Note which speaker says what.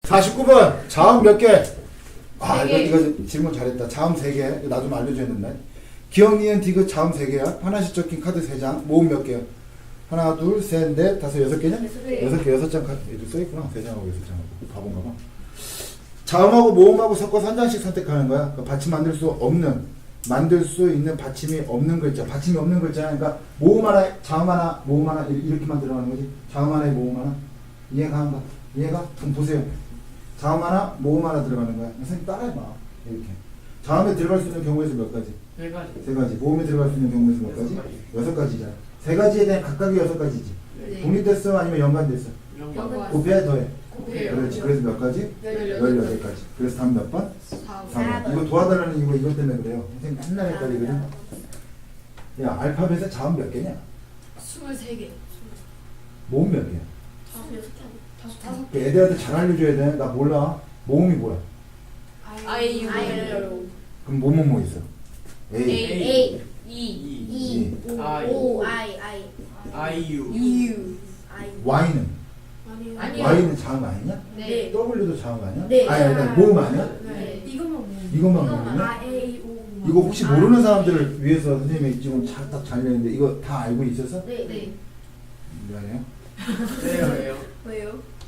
Speaker 1: 49번 자음 몇 개? 아
Speaker 2: 세 개.
Speaker 1: 이거 질문 잘했다. 자음 3개. 나 좀 알려줘야 된다. 기억, 니은, 디귿 자음 3개야. 하나씩 적힌 카드 3장. 모음 몇 개야? 하나, 둘, 셋, 넷, 다섯, 6개냐? 6개, 6장 카드. 여기 써있구나. 3장하고 6장하고. 바본가 봐. 자음하고 모음하고 섞어서 한 장씩 선택하는 거야. 그러니까 받침 만들 수 없는, 만들 수 있는 받침이 없는 글자. 받침이 없는 글자. 그러니까 모음 하나, 자음 하나, 모음 하나 이렇게만 들어가는 거지. 자음 하나에 모음 하나. 이해가 안 가? 이해가? 그럼 보세요. 자음 하나, 모음 하나 들어가는 거야. 선생님 따라해봐. 이렇게. 자음에 들어갈 수 있는 경우에서 몇 가지?
Speaker 3: 세 가지.
Speaker 1: 3가지. 모음에 들어갈 수 있는 경우에서 몇 가지? 6가지잖아. 3가지에 대한 각각이 6가지지.
Speaker 2: 네.
Speaker 1: 독립됐어? 아니면 연관됐어?
Speaker 2: 연관.
Speaker 1: 곱해? 더해?
Speaker 2: 곱해요.
Speaker 1: 그렇지. 그래서 몇 가지? 18가지. 그래서 다음 몇 번? 4번. 이거 도와달라는 이유가 이것 때문에 그래요. 선생님 맨날 헷갈리거든. 야, 알파벳에 자음 몇 개냐?
Speaker 2: 23개.
Speaker 1: 모음 몇 개야?
Speaker 2: 5개.
Speaker 1: 애들한테 잘 알려줘야 돼. 나 몰라. 모음이 뭐야?
Speaker 2: 아이유.
Speaker 1: 그럼 뭐뭐 있어? A,
Speaker 2: A.
Speaker 3: 이. 아이유.
Speaker 1: Y는?
Speaker 2: 아니요.
Speaker 1: Y는 자음 아니냐?
Speaker 2: 네.
Speaker 1: W도 자음 아니야?
Speaker 2: 네.
Speaker 1: 아니, 모음 아니야?
Speaker 2: 네.
Speaker 1: 이것만 모르냐? 이거 혹시 모르는 사람들을 위해서 선생님이 지금 딱 잘렸는데 이거 다 알고 있었어?
Speaker 2: 네.
Speaker 1: 미안해요.
Speaker 3: 왜요?
Speaker 2: 왜요?